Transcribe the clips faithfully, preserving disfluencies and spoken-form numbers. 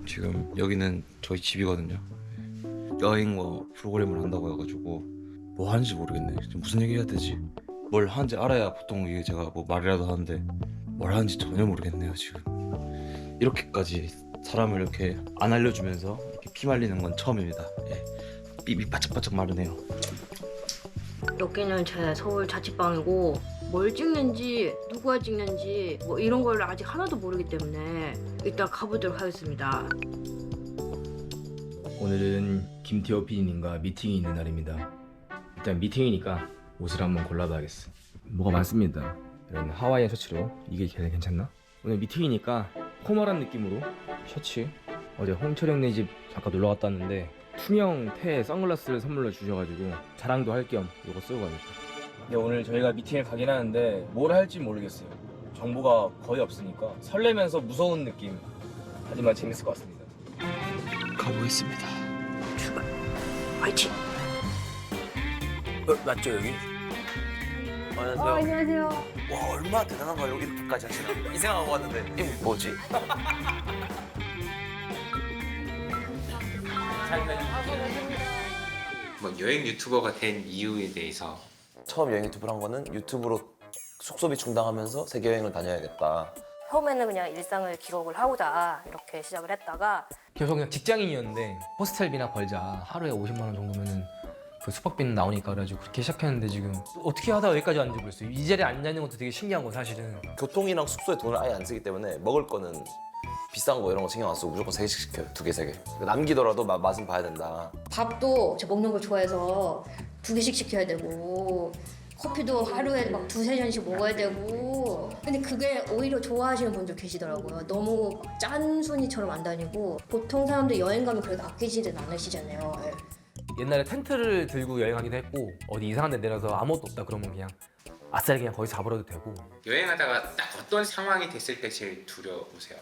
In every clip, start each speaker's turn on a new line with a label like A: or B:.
A: 지금 여기는 저희 집이거든요. 여행 뭐 프로그램을 한다고 해가지고 뭐 하는지 모르겠네. 지금 무슨 얘기 해야 되지? 뭘 하는지 알아야 보통 이게 제가 뭐 말이라도 하는데 뭘 하는지 전혀 모르겠네요 지금. 이렇게까지 사람을 이렇게 안 알려주면서 이렇게 피 말리는 건 처음입니다. 예. 삐삐 바짝바짝 마르네요.
B: 여기는 제 서울 자취방이고 뭘 찍는지 누가 찍는지 뭐 이런 걸 아직 하나도 모르기 때문에 일단 가보도록 하겠습니다.
C: 오늘은 김태호 피디님과 미팅이 있는 날입니다. 일단 미팅이니까 옷을 한번 골라봐야겠어. 뭐가 많습니다. 이런 하와이안 셔츠로 이게 괜찮나? 오늘 미팅이니까 포멀한 느낌으로 셔츠. 어제 홍철 형네 집 잠깐 놀러 갔다 왔는데 투명 테 선글라스를 선물로 주셔가지고 자랑도 할 겸 이거 쓰고 가야겠다. 근데 오늘 저희가 미팅을 가긴 하는데 뭘 할지 모르겠어요. 정보가 거의 없으니까 설레면서 무서운 느낌. 하지만 재밌을 것 같습니다.
A: 가보겠습니다.
B: 출발. 화이팅.
D: 어, 맞죠 여기? 안녕하세요.
B: 어, 안녕하세요.
D: 와 얼마나 대단한가요 이렇게까지 하시나? 이 생각하고 왔는데 이게 뭐지?
E: 뭐 여행 유튜버가 된 이유에 대해서
D: 처음 여행 유튜브를 한 거는 유튜브로 숙소비 충당하면서 세계 여행을 다녀야겠다.
F: 처음에는 그냥 일상을 기록을 하고자 이렇게 시작을 했다가
C: 계속 그냥 직장인이었는데 호스텔비나 벌자 하루에 오십만 원 정도면은 그 숙박비는 나오니까 그래가지고 그렇게 시작했는데 지금 어떻게 하다가 여기까지 왔는지 모르겠어요. 이 자리에 앉아있는 것도 되게 신기한 거 사실은.
D: 교통이랑 숙소에 돈을 아예 안 쓰기 때문에 먹을 거는 비싼 거 이런 거 신경 안 쓰고 무조건 세 개씩 시켜요. 두 개, 세 개. 남기더라도 마, 맛은 봐야 된다.
B: 밥도 제가 먹는 걸 좋아해서 두 개씩 시켜야 되고 커피도 하루에 막 두세 잔씩 먹어야 되고 근데 그게 오히려 좋아하시는 분들 계시더라고요. 너무 짠순이처럼 안 다니고 보통 사람들 여행 가면 그래도 아끼지는 않으시잖아요. 예.
C: 옛날에 텐트를 들고 여행하기도 했고 어디 이상한 데 내려서 아무것도 없다 그러면 그냥 아싸리 그냥 거기서 잡으러도 되고.
E: 여행하다가 딱 어떤 상황이 됐을 때 제일 두려우세요?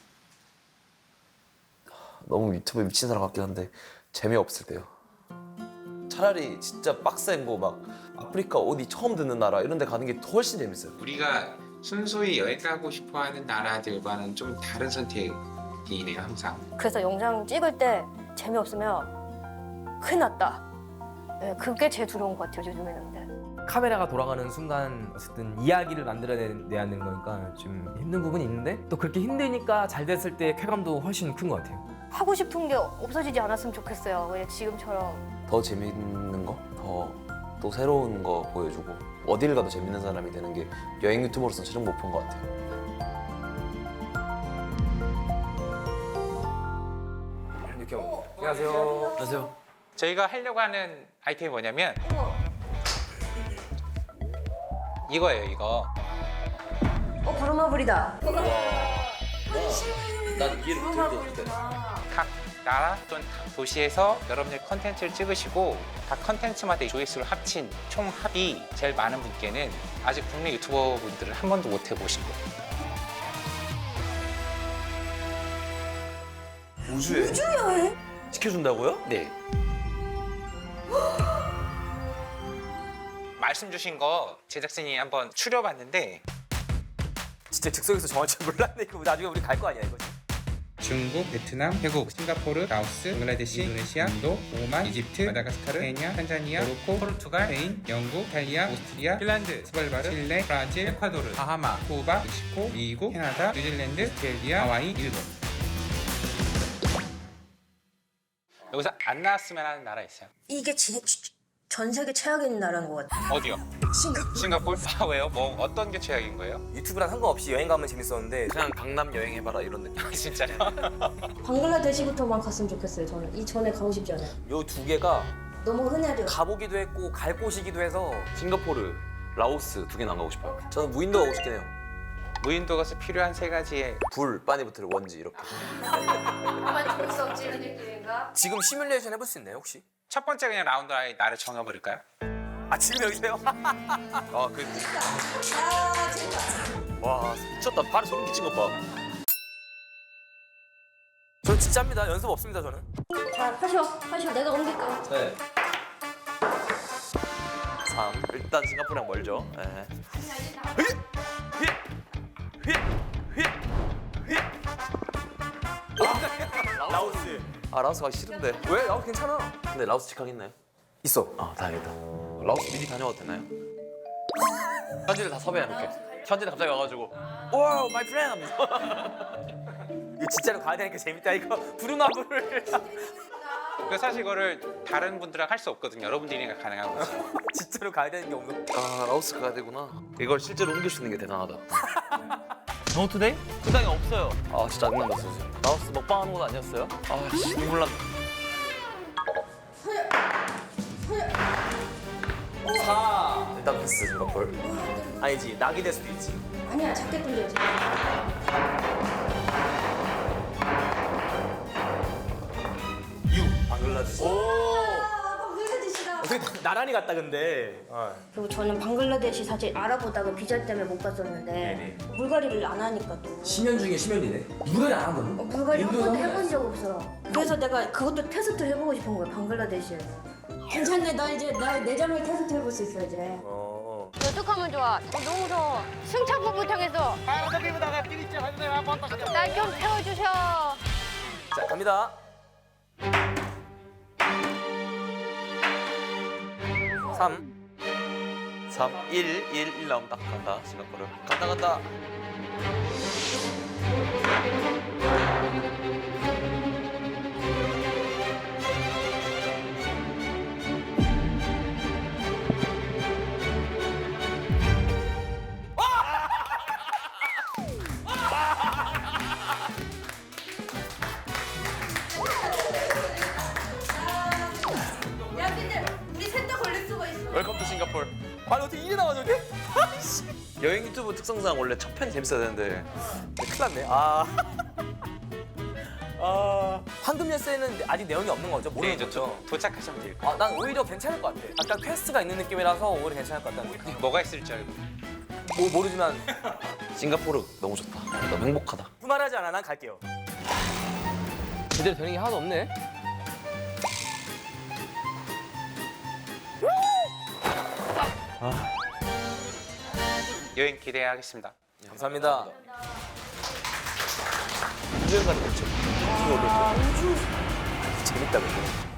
D: 너무 유튜브에 미친 사람 같긴 한데 재미없을 때요. 차라리 진짜 빡센 거 막 아프리카 어디 처음 듣는 나라 이런 데 가는 게 훨씬 재밌어요.
E: 우리가 순수히 여행 가고 싶어하는 나라들과는 좀 다른 선택이네요 항상.
F: 그래서 영상 찍을 때 재미없으면 큰일 났다. 네, 그게 제일 두려운 것 같아요 요즘에는. 네.
C: 카메라가 돌아가는 순간 어쨌든 이야기를 만들어내야 하는 거니까 좀 힘든 부분이 있는데 또 그렇게 힘드니까 잘 됐을 때 쾌감도 훨씬 큰 것 같아요.
F: 하고 싶은 게 없어지지 않았으면 좋겠어요. 그냥 지금처럼.
D: 더 재밌는 거, 더 또 새로운 거 보여주고 어딜 가도 재밌는 사람이 되는 게 여행 유튜버로서는 최종 목표인 것 같아요.
C: 이렇게 하고. 안녕하세요.
D: 안녕하세요.
E: 저희가 하려고 하는 아이템이 뭐냐면 이거예요 이거.
B: 어 브로마블이다.
D: 난 이해를 못해도 돼.
E: 각 나라 또는 각 도시에서 여러분들 컨텐츠를 찍으시고 각 컨텐츠마다 조회수를 합친 총 합이 제일 많은 분께는 아직 국내 유튜버 분들은 한 번도 못 해보신 거예요.
D: 우주에? 우주여행? 시켜준다고요?
E: 네. 말씀 주신 거 제작진이 한번 추려봤는데
D: 진짜 즉석에서 정할 줄 몰랐네. 이거 나중에 우리 갈 거 아니야 이거?
G: 중국, 베트남, 태국, 싱가포르, 라오스, 방글라데시, 인도네시아, 인도, 오만, 이집트, 마다가스카르, 케냐, 탄자니아, 모로코, 포르투갈, 스페인, 영국, 이탈리아, 오스트리아, 핀란드, 스발바르, 칠레, 브라질, 에콰도르, 바하마, 쿠바, 멕시코, 미국, 캐나다, 뉴질랜드, 오스트레일리아, 하와이, 일본.
E: 여기서 안 나왔으면 하는 나라 있어요?
B: 이게 진, 전 세계 최악인 나라인 것 같아요.
E: 어디요?
B: 싱가포르.
E: 싱가포르? 아 왜요? 뭐 어떤 게 최악인 거예요?
D: 유튜브랑 상관없이 여행 가면 재밌었는데 그냥 강남 여행해봐라 이런 느낌.
E: 진짜요?
B: 방글라데시부터만 갔으면 좋겠어요. 저는 이전에 가고 싶지 않아요.
D: 요 두 개가
B: 너무 흔해요.
D: 가보기도 했고 갈 곳이기도 해서 싱가포르, 라오스 두 개는 안 가고 싶어요. 저는 무인도 가고 싶긴 해요.
E: 무인도 가서 필요한 세 가지의
D: 불, 빠니부틀, 원지 이렇게.
F: 가만히 죽을 수 없지 이런 느낌인가?
D: 지금 시뮬레이션 해볼 수 있나요 혹시?
E: 첫 번째 그냥 라운드 아이 나를 정해버릴까요?
D: 아 지금 여기세요? 아 그. 와 미쳤다. 발에 소름 끼친 것 봐. 저 진짜입니다. 연습 없습니다 저는.
B: 자, 하셔, 하셔. 내가 옮길게요.
D: 네. 삼. 일단 싱가포르랑 멀죠. 네. 휘! 휘! 휘! 휘! 휘! 아 라오스 가기 싫은데.
C: 왜? 나도 괜찮아.
D: 근데 라오스 직항 있나요?
C: 있어.
D: 아 다행이다. 라오스 미리 다녀와도 되나요? 현지를 다 섭외해놓게. 현지는 갑자기 와가지고 와우 마이 프렌드.
C: 이거 진짜로 가야 되니까 재밌다. 이거 부루마블을
E: 그 사실 이거를 다른 분들랑 할 수 없거든요. 여러분들이니까 가능한 거지.
C: 진짜로 가야 되는 게 없는.
D: 아 라오스 가야 되구나. 이걸 실제로 옮길 수 있는 게 대단하다.
C: 노트데이?
D: 수당이 없어요. 아 진짜 짜증난다 진짜. 라오스 먹방하는 건 아니었어요? 아 씨, 눈물 난다.
C: 사.
D: 일단 패스 싱가폴.
C: 아니지. 낙이 될 수도 있지.
B: 아니야 작게 던져야지.
C: 방글라데시.
B: 방글라데시다.
C: 어떻게 나란히 갔다 근데.
B: 그리고 저는 방글라데시 사실 알아보다가 비자 때문에 못 갔었는데 불가리를 안 하니까 또
C: 심연 중에 심연이네. 누가 안 하거든?
B: 어, 불가리 한 번도
C: 인도에서
B: 해본 적 없어. 그래서 내가 그것도 테스트 해보고 싶은 거야 방글라데시에서. 괜찮네 나 이제 나 내장을 테스트 해볼 수 있어 이제.
C: 어.
F: 어떡하면 좋아? 어, 너무 무서워. 승차부부 통해서 날 좀 태워주셔.
C: 자 갑니다.
D: 삼, 삼, 일, 일, 일 나오면 딱 간다 싱가포르. 간다 간다.
F: 야 근데 우리 셋 다 걸릴 수가 있어.
D: 웰컴 투 싱가포르.
C: 아니 어떻게 이래 나와 저게?
D: 여행 유튜브 특성상 원래 첫 편이 재밌어야 되는데
C: 큰일 났네. 아. 아. 황금 열쇠는 아직 내용이 없는 거죠? 모르는
E: 네,
C: 거죠?
E: 도, 도착하시면 돼요.
C: 아, 난 오히려 괜찮을 것 같아. 약간 퀘스트가 있는 느낌이라서 오히려 괜찮을 것 같다는 느낌.
E: 뭐가 있을지 알고.
C: 뭐 모르지만
D: 싱가포르 너무 좋다. 너무 행복하다.
C: 그만하지 않아. 난 갈게요. 제대로 되는 게 하나도 없네.
E: 여행 기대하겠습니다.
C: 감사합니다.
D: 우주여행 가는 거죠. 이거 올렸죠.
C: 재밌다 근데.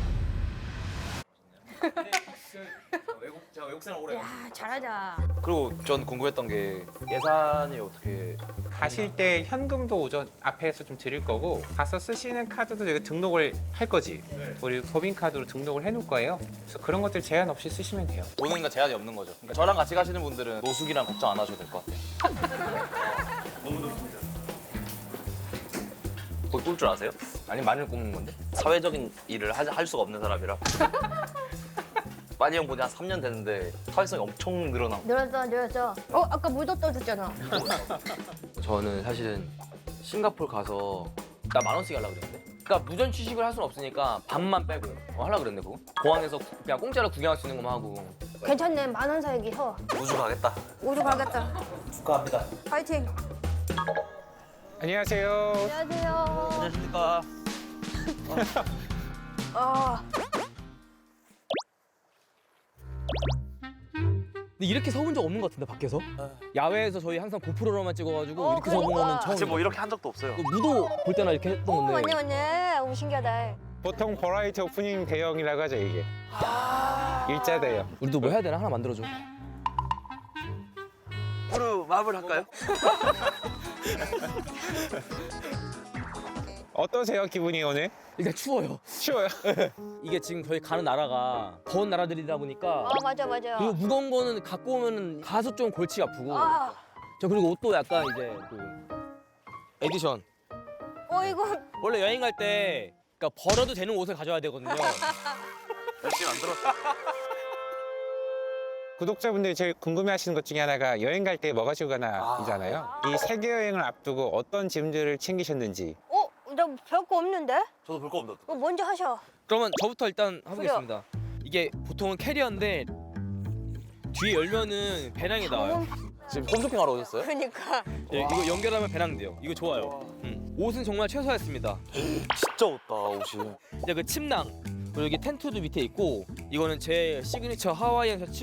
D: 외국 제가 외국 생활 오래.
F: 야 잘하자.
D: 그리고 전 궁금했던 게 예산이 어떻게
E: 가실 때 현금도 오전 앞에서 좀 드릴 거고 가서 쓰시는 카드도 저희가 등록을 할 거지. 우리 법인카드로 등록을 해놓을 거예요. 그래서 그런 것들 제한 없이 쓰시면 돼요.
D: 오는 거 제한이 없는 거죠. 그러니까 저랑 같이 가시는 분들은 노숙이랑 걱정 안 하셔도 될 것 같아요. 너무 좋습니다. 거기 꿀줄 아세요?
C: 아니 마늘 굽는 건데?
D: 사회적인 일을 하, 할 수가 없는 사람이라. 빠니 형 본지 한 삼 년 됐는데 사회성이 엄청 늘어나.
F: 늘었어 늘었어. 어 아까 물도 떠줬잖아.
C: 저는 사실은 싱가포르 가서 나 만 원씩 하려고 그랬는데. 그러니까 무전 취식을 할 수는 없으니까 반만 빼고 어, 하려고 그랬는데 그거. 공항에서 그냥 공짜로 구경할 수 있는 것만 하고.
F: 괜찮네 만 원 사기 서.
D: 우주 가겠다.
F: 우주 가겠다.
C: 축하합니다.
F: 파이팅.
E: 안녕하세요.
F: 안녕하세요.
D: 안녕하십니까.
F: 아
C: 근데 이렇게 서본 적 없는 것 같은데 밖에서? 야외에서 저희 항상 고프로로만 찍어가지고
F: 어,
C: 이렇게 서본
F: 그러니까.
C: 거는 처음.
D: 제가 뭐 이렇게 한 적도 없어요.
C: 무도 볼 때나 이렇게 했던
F: 어,
C: 건데.
F: 맞네 맞네. 너무 신기하다.
E: 보통 버라이티 오프닝 대형이라고 하죠 이게. 일자 대형.
C: 우리도 뭐 해야 되나 하나 만들어줘.
D: 프루 마블 할까요?
E: 어떠세요 기분이 오늘?
C: 일단 추워요.
E: 추워요?
C: 이게 지금 저희 가는 나라가 더운 나라들이다 보니까.
F: 아 맞아 맞아.
C: 그리고 무거운 거는 갖고 오면 가서 좀 골치가 아프고.
F: 아,
C: 저 그리고 옷도 약간 이제 또 에디션.
F: 어 이거
C: 원래 여행 갈 때 그러니까 버려도 되는 옷을 가져야 되거든요.
D: 열심히 만들었어.
E: 구독자분들이 제일 궁금해하시는 것 중에 하나가 여행 갈 때 뭐 가지고 가나이잖아요. 이 세계 여행을 앞두고 어떤 짐들을 챙기셨는지.
F: 어? 나 별거 없는데?
D: 저도 볼 거 없는데.
F: 어, 먼저 하셔.
C: 그러면 저부터 일단 해보겠습니다. 이게 보통은 캐리어인데 뒤에 열면은 배낭이 나와요.
D: 지금 홈쇼핑하러 오셨어요?
F: 그러니까.
C: 예, 이거 연결하면 배낭 돼요. 이거 좋아요. 음. 옷은 정말 최소화했습니다.
D: 진짜 없다 옷이.
C: 이제 그 침낭 그리고 여기 텐트도 밑에 있고 이거는 제 시그니처 하와이안 셔츠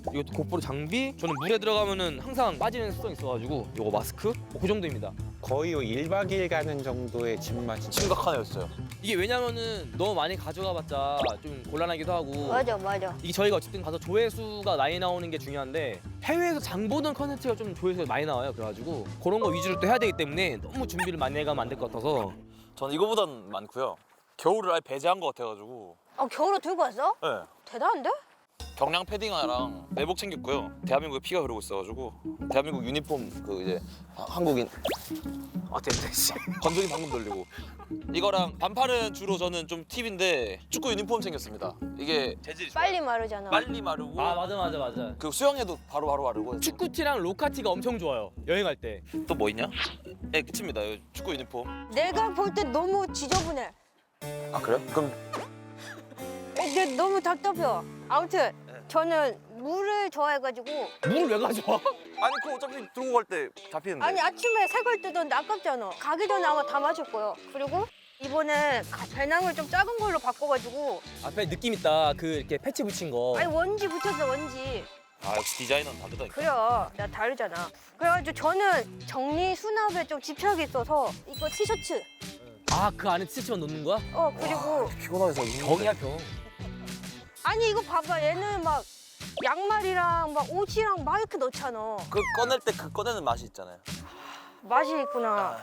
C: 이것도 고프로 장비. 저는 물에 들어가면은 항상 빠지는 습성이 있어가지고 요거 마스크. 뭐그 정도입니다.
G: 거의 일 박 이 일 가는 정도의 짐맛이
D: 심각하네요 진짜.
C: 이게 왜냐면은 너무 많이 가져가봤자 좀 곤란하기도 하고.
F: 맞아 맞아.
C: 이게 저희가 어쨌든 가서 조회수가 많이 나오는 게 중요한데 해외에서 장 보는 컨텐츠가 좀 조회수가 많이 나와요. 그래가지고 그런 거 위주로 또 해야 되기 때문에 너무 준비를 많이 해가면 안 될 것 같아서.
D: 저는 이거보단 많고요. 겨울을 아예 배제한 것 같아가지고.
F: 아 겨울에 들고 왔어?
D: 네.
F: 대단한데?
D: 경량 패딩 하나랑 내복 챙겼고요. 대한민국에 피가 흐르고 있어가지고 대한민국 유니폼 그 이제 하- 한국인 아 됐네 씨 건조기 방금 돌리고 이거랑 반팔은 주로 저는 좀 팁인데 축구 유니폼 챙겼습니다. 이게 재질이 좋아요.
F: 빨리 마르잖아.
D: 빨리 마르고
C: 아 맞아 맞아 맞아.
D: 그 수영해도 바로 바로 마르고.
C: 축구티랑 로카티가 엄청 좋아요. 여행할 때.
D: 또 뭐 있냐? 네 끝입니다. 이 축구 유니폼.
F: 내가 볼 때 너무 지저분해.
D: 아 그래요? 그럼
F: 근데 너무 답답해요. 아무튼 저는 물을 좋아해가지고
C: 물을 왜 가져와?
D: 아니 그거 어차피 들고 갈 때 잡히는데.
F: 아니 아침에 새걸 뜯었는데 아깝잖아. 가기 전에 아마 다 마실 거예요. 그리고 이번에 가- 배낭을 좀 작은 걸로 바꿔가지고
C: 앞에 느낌 있다. 그 이렇게 패치 붙인 거.
F: 아니 원지 붙였어 원지.
D: 아 역시 디자이너는 다르다니까.
F: 그래요. 나 다르잖아. 그래가지고 저는 정리 수납에 좀 집착이 있어서 이거 티셔츠.
C: 아 그 안에 티셔츠만 넣는 거야?
F: 어 그리고
D: 피곤해서
C: 병이야 병.
F: 아니 이거 봐봐 얘는 막 양말이랑 막 옷이랑 막 이렇게 넣잖아.
D: 그 꺼낼 때 그 꺼내는 맛이 있잖아요.
F: 맛이 있구나.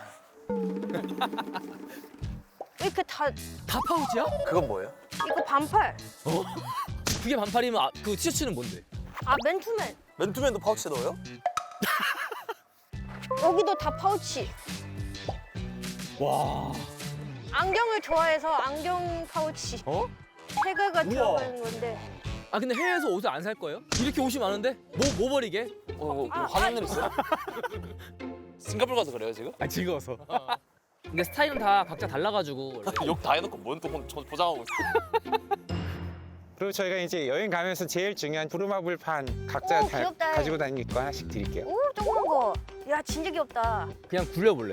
F: 왜 이렇게 다
C: 다 파우치야?
D: 그건 뭐예요?
F: 이거 반팔.
C: 어? 그게 반팔이면 아, 그 티셔츠는 뭔데?
F: 아 맨투맨.
D: 맨투맨도 파우치에 넣어요?
F: 여기도 다 파우치.
C: 와.
F: 안경을 좋아해서 안경 파우치.
C: 어?
F: 세 개가 들어가 있는 건데.
C: 아 근데 해외에서 옷을 안 살 거예요? 이렇게 옷이 많은데? 뭐, 뭐 버리게?
D: 어, 뭐, 뭐
F: 아,
D: 화난 일 있어요? 싱가포르 가서 그래요 지금?
C: 아 즐거워서. 근데 스타일은 다 각자 달라가지고.
D: 욕 다 해놓고 뭔 또 보장하고 있어?
G: 그리고 저희가 이제 여행 가면서 제일 중요한 부루마블판 각자
F: 오,
G: 다
F: 귀엽다.
G: 가지고 다니는 거 하나씩 드릴게요.
F: 오 조그만 거. 야 진짜 귀엽다.
C: 그냥 굴려볼래.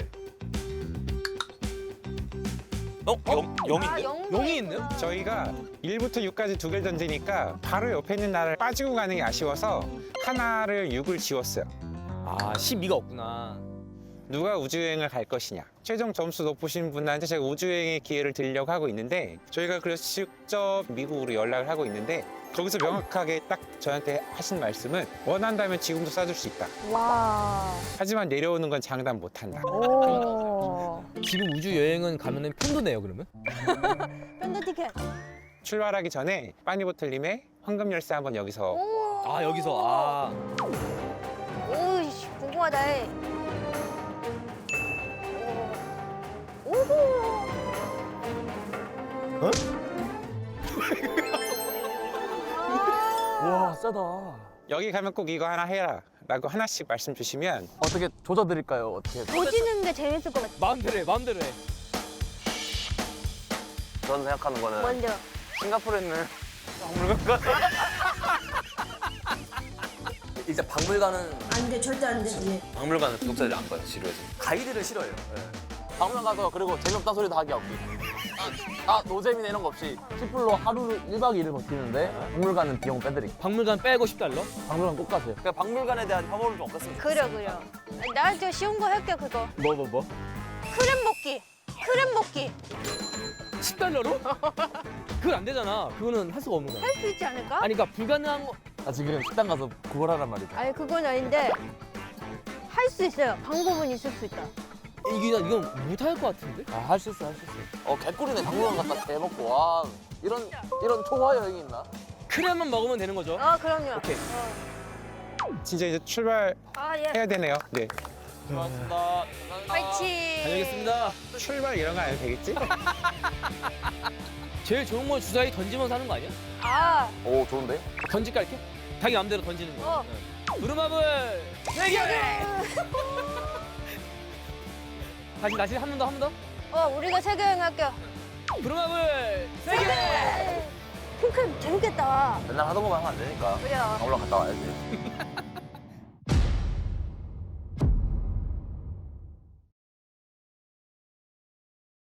D: 어? 영,
F: 아
D: 영인데?
F: 영도
C: 용이
F: 있구나.
C: 있네요?
G: 저희가 일부터 육까지 두 개를 던지니까 바로 옆에 있는 나를 빠지고 가는 게 아쉬워서 하나를 육을 지웠어요.
C: 아 십이가 없구나.
G: 누가 우주여행을 갈 것이냐. 최종 점수 높으신 분한테 제가 우주여행의 기회를 드리려고 하고 있는데 저희가 그래서 직접 미국으로 연락을 하고 있는데 거기서 명확하게 딱 저한테 하신 말씀은 원한다면 지금도 쏴줄 수 있다.
F: 와.
G: 하지만 내려오는 건 장담 못한다.
F: 오.
C: 지금 우주 여행은 가면은 편도 내요 그러면?
F: 밴드 티켓.
G: 출발하기 전에 빠니보틀님의 황금 열쇠 한번 여기서
F: 오.
C: 아 여기서 아.
F: 오이씨 궁금하다. 해. 오. 오호.
D: 와 싸다.
G: 여기 가면 꼭 이거 하나 해라 라고 하나씩 말씀 주시면
D: 어떻게 조져드릴까요? 어떻게?
F: 보지는 게 재밌을 것 같아.
C: 마음대로 해 마음대로 해.
D: 저는 생각하는 거는
F: 먼저.
D: 싱가포르에 있는 박물관
A: 일단 박물관은
B: 안돼 절대 안 되지.
A: 박물관은 구독자들이 안 가요 지루해서.
D: 가이드를 싫어해요. 박물관 가서 그리고 재미없다 소리 다 하기 없기. 아, 아 노잼이네 이런 거 없이 십 불로 하루 일 박 이 일을 버티는데 박물관은 비용 빼드릴게요.
C: 박물관 빼고 십 달러?
D: 박물관 꼭 가세요. 그러니까 박물관에 대한 혐오를 좀 없앴으면
F: 그래 그래. 나 저 쉬운 거 할게 그거.
C: 뭐 뭐 뭐?
F: 크랩 먹기. 크랩 먹기.
C: 십 달러로? 그건 안 되잖아. 그거는 할 수가 없는 거야.
F: 할 수 있지 않을까?
C: 아니 그러니까 불가능한 거.
D: 아 지금 식당 가서 그걸 하란 말이죠.
F: 아니 그건 아닌데 할 수 있어요. 방법은 있을 수 있다.
C: 이게 이건 못 할 것 같은데?
D: 아 할 수 있어 할 수 있어. 어 개꿀이네. 박물관 갔다 개 먹고 와 이런 이런 초화 여행이 있나?
C: 크랩만 먹으면 되는 거죠?
F: 아 그럼요.
C: 오케이.
F: 어.
G: 진짜 이제 출발해야
F: 아 예.
G: 되네요. 네.
D: 고맙습니다.
F: 파이팅.
C: 다녀오겠습니다.
G: 출발 이런 거 안 해도 되겠지?
C: 제일 좋은 건 주사위 던지면서 하는 거 아니야?
F: 아.
D: 오 좋은데?
C: 던질까 이렇게? 자기 마음대로 던지는 거.
F: 어.
C: 네. 부루마블 세 개! 다시 다시 한 번 더 한 번 더.
F: 어 우리가 세계 여행 할게요.
C: 부루마블 세 개!
F: 핑크 재밌겠다.
D: 맨날 하던 것만 하면 안 되니까
F: 그래요.
D: 박물관 갔다 와야지.